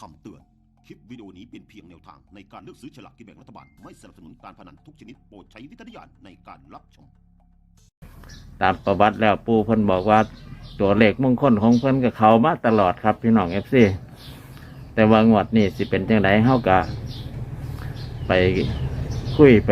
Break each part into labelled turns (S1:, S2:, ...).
S1: คำเตือน คลิปวิดีโอนี้เป็นเพียงแนวทางในการเลือกซื้อฉลากกินแบ่งรัฐบาล ไม่สนับสนุนการพนันทุกชนิดโปรดใช้วิจารณญาณในการรับชม
S2: ตามประวัติแล้วปู่เพิ่นบอกว่าตัวเลขมงคลของเพิ่นกับเขามาตลอดครับพี่น้องFC แต่ว่างวดนี้สิเป็นจังไดเฮาก็ไปคุยไป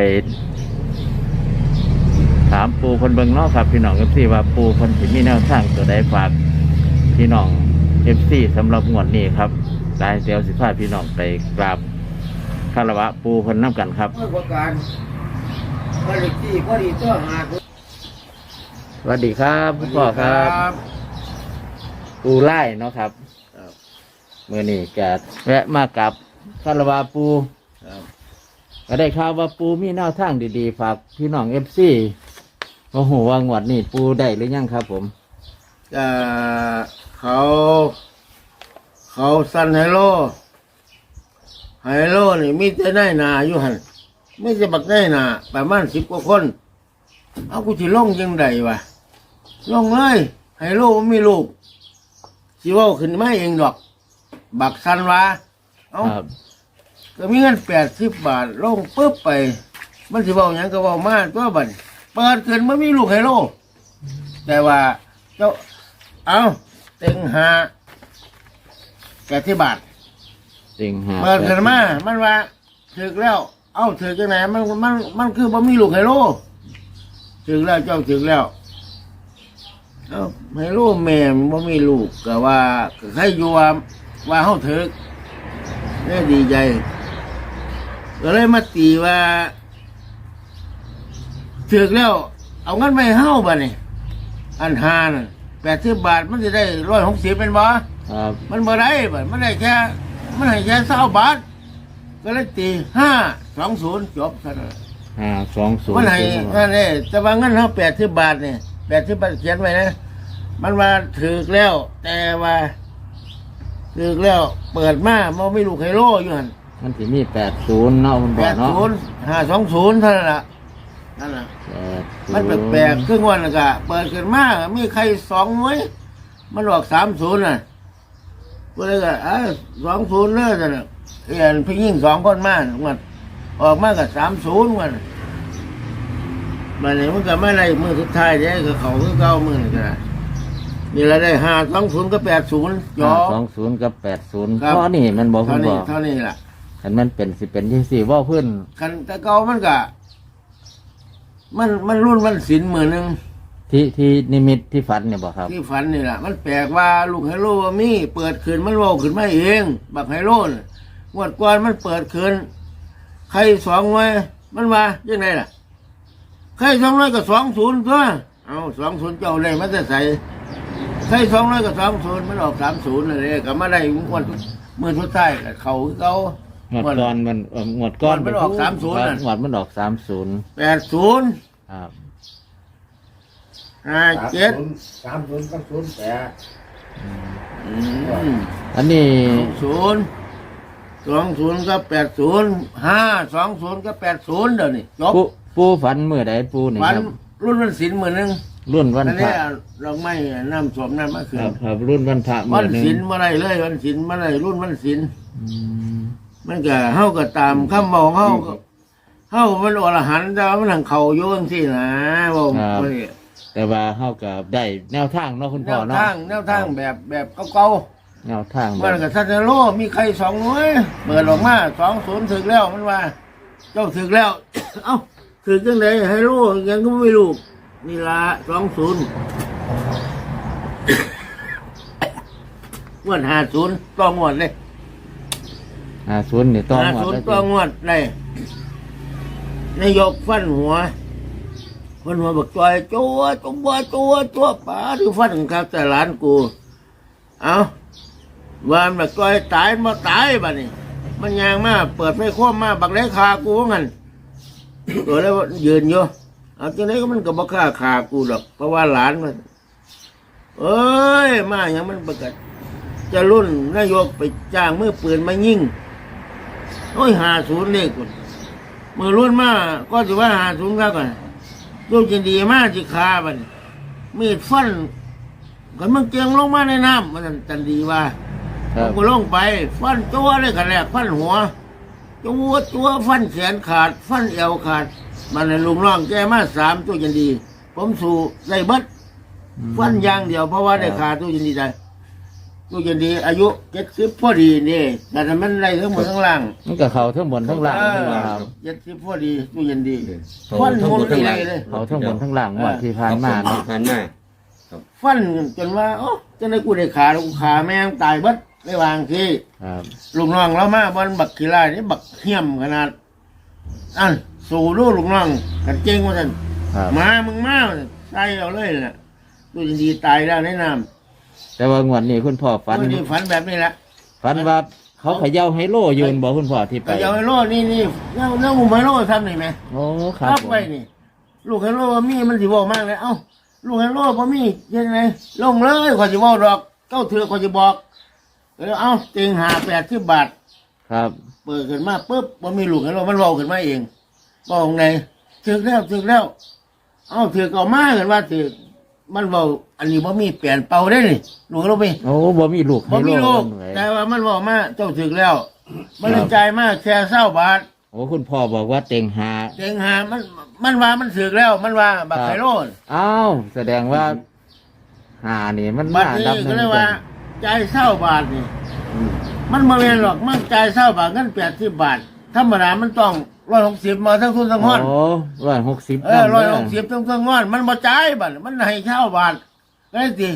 S2: ถามปู่เพิ่นเบิ่งเนาะครับพี่น้อง FC ว่าปู่เพิ่นสิมีแนวทางตัวใดฝากพี่น้อง FC สำหรับงวดนี้ครับได้เดี๋ยวสิพาพี่น้องไปกราบคารวะปู่เพิ่นนํกันครับ
S3: เมื่อประการผลิตที่พอดีตัวหาด
S2: สวัสดีครับคุณพ่อครับปูไล่เนาะครับเมื่อนี้ก็แวะมากับคารวะปูก็ได้ข่าวว่าปูมีแนวทางดีๆฝากพี่น้องFC โอ้โหว่างวดนี้ปูได้หรือยังครับผม
S3: เขาสั่นไฮโลนี่มีแต่ได้นาอยู่หันไม่จะบักได้นาประมาณ10 กว่าคนเอากูสิลงยังไงวะลงเลยไฮโลมันมีลูกสิเว่าขึ้นมาเองดอกบักสันวะเอา
S2: ครับ
S3: ก็มีเงิน80 บาทลงปุ๊บไปมันสิเว้าหยังก็เว้ามาตัวบัดเปิดขึ้นมันมีลูกไฮโลแต่ว่าเจ้าเอาเต็งหา80 บาท
S2: จริงฮะ
S3: เปิดขึ้นมามันว่าถึกแล้วเอาถึกจังไหนมันคือบ่มีลูกไฮโลถึกแล้วเจ้าถึกแล้วเอาไฮโลแม่มันบ่มีลูกก็ว่าก็ใครอยู่ว่าเฮาถึกได้ดีใจก็เลยมาตีว่าถึกแล้วเอาเงินไปให้เฮาบัดนี้อันหาน่ะ80 บาทมันจะได้160เป็นบ่
S2: ครับ
S3: มันบ่ได้บัดมันได้แค่มันให้แค่20 บาทก็เลยตี520จบซะนะ
S2: 520
S3: มันให้นั่นเด้แต่ว่าเงินเฮา80 บาทนี่80 บาทเขียนไว้นะมันว่าถึกแล้ว แต่ว่าถึกแล้วเปิดมามันไม่ลูกไฮโลอยู่หั่น
S2: มันสิมี80เนาะคุณพ่อเนาะ
S3: 80 520เท่านั้นล่ะนั่นน่ะมันแปลกๆครึ่งวันน่ะก็เปิดขึ้นมามีใคร2หน่วยมันออก30น่ะก็เลยก็20เลยซั่นน่ะเห็นผู้หญิง2คนมามันออกมาก็30มันบัดนี้มันก็ไม่ได้มื้อสุดท้ายเด้ก็เขาคือเก่ามื้อนี่ก็ได้นี่ละได้520กับ80จอ
S2: 520กับ80
S3: ครับ
S2: เพราะนี่มันบอกคุ
S3: เท่า
S2: ณพ่
S3: นี้
S2: อ
S3: เท่านี้ล่ะ
S2: คันมันเป็นสิเป็นที่สี่ว่าเพื่อน
S3: คันแต่เก่ามันก็มันรุ่นมันศีลมื้อนึง
S2: ที่นิมิตที่ฝันเนี่ยบอกครับ
S3: ที่ฝันนี่ล่ะมันแปลกว่าลูกไฮโลว่ามีเปิดคืนมันเว้าขึ้นมาเองบักไฮโลน่ะงวดก่อนมันเปิดคืนใคร2หน่วยมันว่าจังไดล่ะใคร2หน่วยก็20ตัวเอา20เจ้าได้มาแต่ไสใคร2หน่วยก็20มันออก30นั่นแหละก็มาได้งวดมื้อสุดท้ายก็เข้าคือเก่า
S2: งวดก่อนมันงวดก้อน
S3: มันออก30น่ะ
S2: งวดมันออก30
S3: 80
S2: ครับ
S3: 57
S4: 30กับ08
S2: อันนี้
S3: 20กับ80 520กับ80เดี๋ยวนี้จบ
S2: ปูฝันเมื่อใดปูนี่
S3: วัน
S2: ครับ
S3: รุ่นวันศีลมื้อนึง
S2: รุ่นวัน
S3: อัน
S2: พ
S3: นี้
S2: ระ
S3: เราไม่น้ำสวมน้ำมาขึ้
S2: คน รับครับรุ่นวันพระ
S3: วั
S2: เมื่อน หนึ่ง
S3: ศีลเมื่อไรเลยวันศีลเมื่อไรรุ่นวันศีล
S2: อืม
S3: มันก็เฮาก็ตามคำบอกเฮามันอรหันต์แต่ว่ามันทางเขาโยงที่นะบอกว่า
S2: แต่ว่าเฮากับได้แนวทางเนาะคุณ
S3: แน
S2: พ่อ
S3: ว
S2: เนาะ
S3: ทางแบบเก่า
S2: แนวทาง
S3: ๆ
S2: แบ
S3: มัน
S2: บ
S3: ก็ทัศนโลมีใคร2หน่วยเปิดออกมา20ถึงแล้วมันว่า เจ้าถึงแล้ว เอ้าถึงจังไดให้รู้ยังก็ไม่รู้นี่ละ20งวด50ต่องวดเลย
S2: 50นี่ต้องหมด
S3: 50ต่องวดเลยนายกฟันหัวบอกจอยตัวป๋าที่ฟันครับแต่หลานกูเอาว่ามันจอยตายมาตายบ้านี่มันยางมาเปิดไฟคว่ำมาบักได้คากูงั้นตัวแล้วยืนอยู่เอาจังไดก็มันก็บ่ฆ่าขากูดอกเพราะว่าหลานมันเอ้ยมาอย่างมันประกาศจะรุ่นนายกไปจ้างมือปืนมายิงโอ้ย50เลขกูมือรุ่นมาก็สิว่า50ครับก่อนลูกจะดีมากสิคาบัดมีดฟันกันมันเกียงลงมาในน้ำมันจันดีว่าผมก็ลงไป ฟันตัวเลยกันแรกฟันหัวตัวฟันแขนขาด ฟันเอวขาด มันเลยลุงน้องแกมา3ตัวยันดี ผมสู่ได้เบิดฟันอย่างเดียวเพราะว่าได้ขาตัวยันดีได้ตัวยันดี อายุ70พอดีนี่แต่มันได้ทั้งหมดทั้งล่าง
S2: มันก็เขาทั้งบนทั้งล่างนี่ล่ะครับ
S3: 70พอดีตัวยันดีฟันหมดเลย
S2: เขาทั้งบนทั้งล่างงวดที่ผ่านมาเนาะ
S4: ผ่านมา
S3: ฟันจนว่าโอ้จะได้กูได้ขาแล้วกูขาแม่งตายเบิดไม่วางที
S2: ครับ
S3: ลูกน้องเรามาบอลบักขี้ไล่นี่บักเหี้ยมขนาดอันสู่ลูกน้องกันเก่งว่าท่าน
S2: ครับ
S3: มามึงมาใส่เอาเลยน่ะดูดีตายแล้วแนะน
S2: แต่ว่างวดนี้คุณพ่อ
S3: ำ
S2: ฝัน
S3: นี่ฝันแบบนี้แหละ
S2: ฝันว่าเขาเขย่าให้โลยืนบอกคุณพ่อที่ไป
S3: แต่ยาวไฮโลนี่เน่าหุ่มไฮโลทำนี่ไหม
S2: โอ้ครับ
S3: รับ
S2: ผม
S3: ไปนี่ ลูกไฮโลว่ามีมันสิบอกมากเลยเอ้าลูกไฮโลพอมียังไงลงเลยขอจะบอกดอกเก้าเถือขอจะบอกแล้วเอ้าเต็งหา80 บาท
S2: ครับ
S3: เปิดขึ้นมาปุ๊บมันมีลูกให้เรามันเว้าขึ้นมาเองบอกไงถึกแล้ว เอ้าถึกเอามากันว่าถึกมันเว้าอันนี้บ่มีเปลี่ยนเป่าได้นี่ลูกเราไป
S2: โอ้บ่มีลูก
S3: บ่มีลูก
S2: ให้
S3: แต่
S2: โล
S3: ว่ามันเว้ามาเจ้าถึกแล้ว มันเลยจ่ายมาแค่20 บาท
S2: โอ้คุณพ่อบอกว่าเต็งหา
S3: เต็งหามันว่ามันถึกแล้ว มันว่าบักไคโรน
S2: อ้าวแสดงว่าหานี่มัน
S3: บัด
S2: มา
S3: นี้
S2: ดับห
S3: ก็
S2: นึ่ง
S3: เลยว่าจ่าย20 บาทนี่ มันบ่แม่นหรอกมันจ่าย20 บาทเงิน80 บาทธรรมดามันต้อง160มาทั้งทุนทั้งห้อน
S2: โอ้160
S3: 160ต้องงอน มันบ่จ่ายบัดมันให้เช่าบาทก็ได้สิ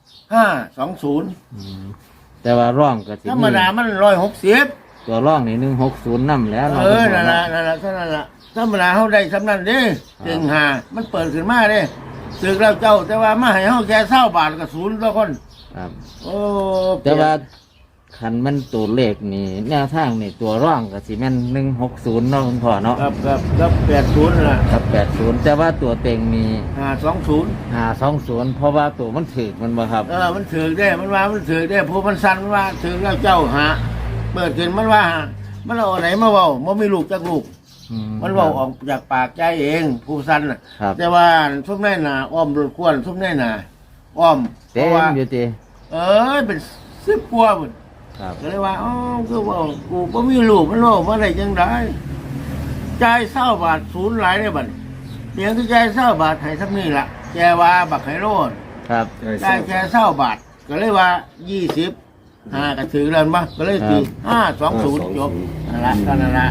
S3: 520
S2: แต่ว่าร่องก็สิ
S3: ธรรมดามัน160
S2: ตัวร่องนี่160นำแล้ว
S3: เออนั่นล่ะเท่านั้นล่ะธรรมดาเฮาได้สำนั้นเด้เต็งหามันเปิดขึ้นมาเด้สึกแล้วเจ้า แต่ว่ามาให้เฮาแค่20 บาทก็ศูนย์ต่อคน
S2: ครับ
S3: โอ้
S2: แต่ว่าคันมันตัวเลขนี่แนวทางนี่ตัวร่องก็สิแม่น160เนาะคุณพ่อเนาะ
S3: ครับ80ล่ะ
S2: กับ80แต่ว่าตัวเต็งนี่
S3: 520
S2: 520เพราะว่าตัวมันถึกมันบ่ครับ
S3: มันถือได้มันว่ามันถือได้ผู้มันสั่นมันว่าถือแล้วเจ้าหาเปิดขึ้นมันว่าหามันเอาไหนมาเว้าบ่มีลูกจักลูก มันเว้าออกจากปากใจเองผู้สั่นน่ะ
S2: ครับ
S3: แต่ว่าทุกแน่น่ะอ้อมรถควรทุกแน่น่ะอ้อมเพ
S2: เต็
S3: ราะ
S2: ม
S3: ว่า
S2: อยู่ติ
S3: เป็น10กว่าพุ่น
S2: ครับ
S3: ก็เลยว่าอ๋อคือว่ากูบ่มีลูกมันเว้าบ่ได้จังได๋จ่าย20 บาทศูนย์หลายได้บัดนี้เพียงที่จ่าย20 บาทให้ซำนี้ล่ะแกว่าบักไห้โลด
S2: ครับ
S3: ได้แค่20 บาท ก็เลยว่า20ก็ถือแล้วมั้งก็เลยตี520จบนั่นละ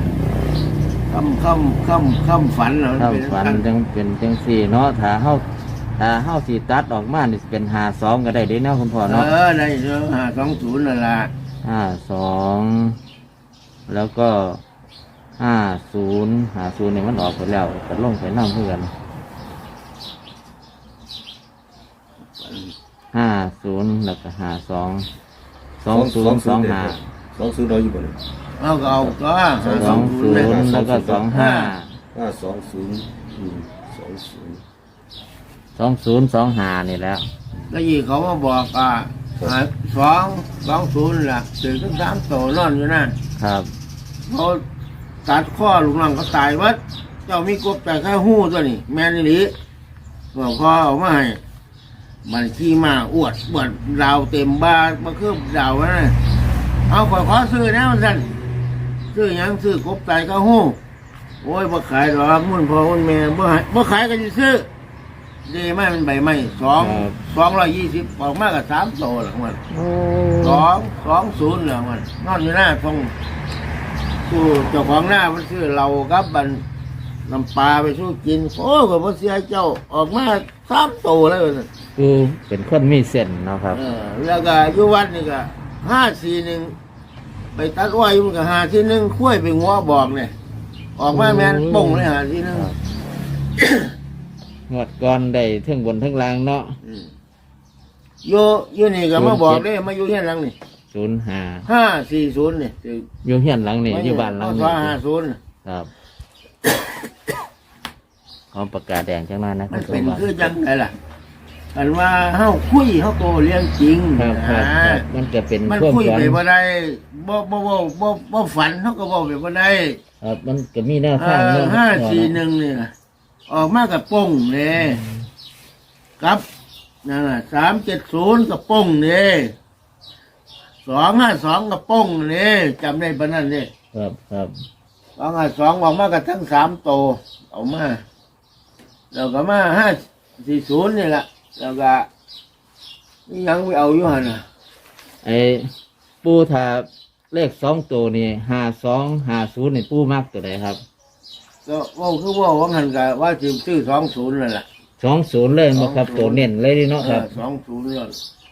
S3: คำฝันเหรอ
S2: ถ้าฝันจังเป็นจังสี่เนาะถ้าเฮาสิตัดออกมานี่สิเป็น52ก็ได้เด้เนาะคุณพ่อเนาะ
S3: ได้เด้อ520นั่นละ
S2: 52แล้วก็50นี่มันออกไปแล้วก็ลงไปนำเพื่อน50แล้วก็52 2025
S4: 20เราอยู่บ่เนี่ย
S3: เอาก็เอาก็
S2: 20แล้วก็25 2025นี่แล้ว
S3: แล้วยี่เขามาบอก220ล่ะถึงทั้ง3โตนอนอยู่นั่น
S2: ครับ
S3: เขาตัดข้อลูกน้องเขาตายวัดเจ้ามีกบแต่แค่หู้ตัวนี้แม่นอีหลีบอกพ่อเอามาให้มันขี้มาอวดดาวเต็มบ้านมาคืบดาวนะเอาขอซื้อแน่มันสั่นซื้อหยังซื้อกบตายก็หู้โอ้ยบ่ขายหรอกมุ่นพ่อมุ่นแม่บ่ขายก็จะซื้อดีไหมมันใบไม้220ออกมากับ3โตหลังมัน
S2: โอ้
S3: 220หลังมันนอนอยู่หน้าตรงสู้เจ้าของหน้ามันซื้อเราครับบันน้ำปลาไปสู้กินโอ้ก็บ่เสียเจ้าออกมา3โตแล้วนั่น
S2: คือเป็นคนมีเส้นเนาะครับ
S3: แล้วก็อยู่วัดนี่ก็541ไปตัดอ้อยมันก็541คุ้ยไปงัวบอกเนี่ยออกมาแม่นป่งเลย541
S2: งวดก่อนได้เทั้งบนเทั้งล่างเนาะ
S3: อยู่นี่ก็มาบอกเลยมาอยู่เฮียนหลังนี่
S2: 05
S3: 540นี่
S2: อยู่เฮียนหลังนี่อยู่บ้านหลัง
S3: พ
S2: นี้
S3: ศ50
S2: ครับขอประกาศแดงจังนั้นนะ
S3: มัน
S2: คุ
S3: เป็
S2: ณ
S3: น
S2: ผู้ช
S3: คือ
S2: ม
S3: จังไงล่ะอันว่าเฮาคุยเฮาโตเรื่องจริง
S2: ครับครับครับมันก็เป็น
S3: มัน
S2: ความ
S3: คุย
S2: ฝัน
S3: ไปบ่ได้บ่ฝันเฮาก็บ่ไปบ่ได้
S2: ครับมันก็มีแนวทางเนาะ
S3: 541นี่นะออกมากับป้งเลยกับนั่นน่ะ370กับป้งเลย 252กระป้งนี่จำได้ปะนั่นนี่
S2: ครับครับ
S3: 252ออกมากันทั้ง3โตวเอามาแล้วก็มา540นี่แหละแล้วก็นี่ยังไปเอาอยู่หั่นน่ะ
S2: ไอ้ปูถ้าเลข2ตัวนี่5250นี่ปูมักตัวใดครับ
S3: ก็ว่าคือว่าหันก็ว่าสิซื้อ20นั่นแหละ
S2: 20เลยบ่ครับตัวเน้นเลยเนาะครับ
S3: 20เลย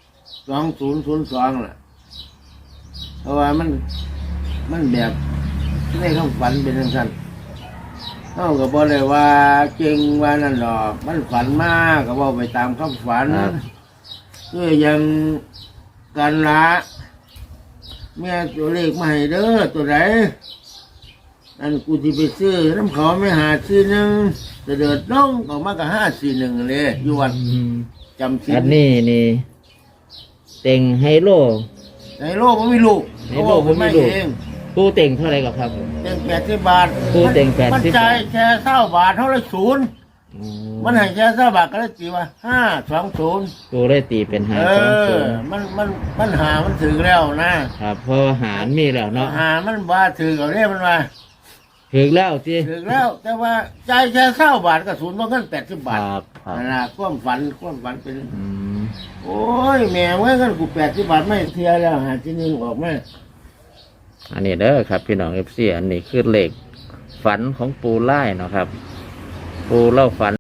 S3: 2002ล่ะเพราะว่ามันแบบในคำฝันเป็นจังซั่นเฮาก็บ่ได้ว่าเก่งว่านั่นดอกมันฝันมาก็เว้าไปตามคำฝัน
S2: ครับ
S3: คือยังกันละแม่ตัวเลขมาให้เด้อตัวไหนอันกูที่ไปซื้อน้ำเขาไม่หาซื้อหนึ่งจะเดิดน้องออกมากับ541เลยอยู่วัน
S2: อืม
S3: จำซื้
S2: อันนี้นี่เต็งไฮโล
S3: ในโลกมันไม่ลูก
S2: ในโลกมันไม่ลูก
S3: เอง
S2: ปูเต็งเท่าไหร่ครับ
S3: เต็ง80 บาท
S2: กูเต็ง80
S3: มันจ่ายแค่20 บาทเท่าไรศูนย์
S2: อืม
S3: มันให้แค่20 บาทก็เลยตีว่า520
S2: ปูได้ตีเป็นหา
S3: มันหามันถึงแล้วนะครับ
S2: เพราะว่าหารมีแล้วเนาะ
S3: หามันว่าถึงเอาเรียมันว่า
S2: ถึงแล้วสิ
S3: ถึงแล้วแต่ว่าจ่ายแค่20 บาทก็ศูนย์เพราะเงิน80 บาท
S2: ครับครับ
S3: นั่นล่ะความฝันเป็น
S2: อืม
S3: โอ้ยแม่เมื่อกันกู80 บาทไม่เทียแล้วหาที่นึงออกมา
S2: อันนี้เด้อครับพี่น้องเอฟซีอันนี้คือเลขฝันของปูไล่เนาะครับ ปูเล่าฝัน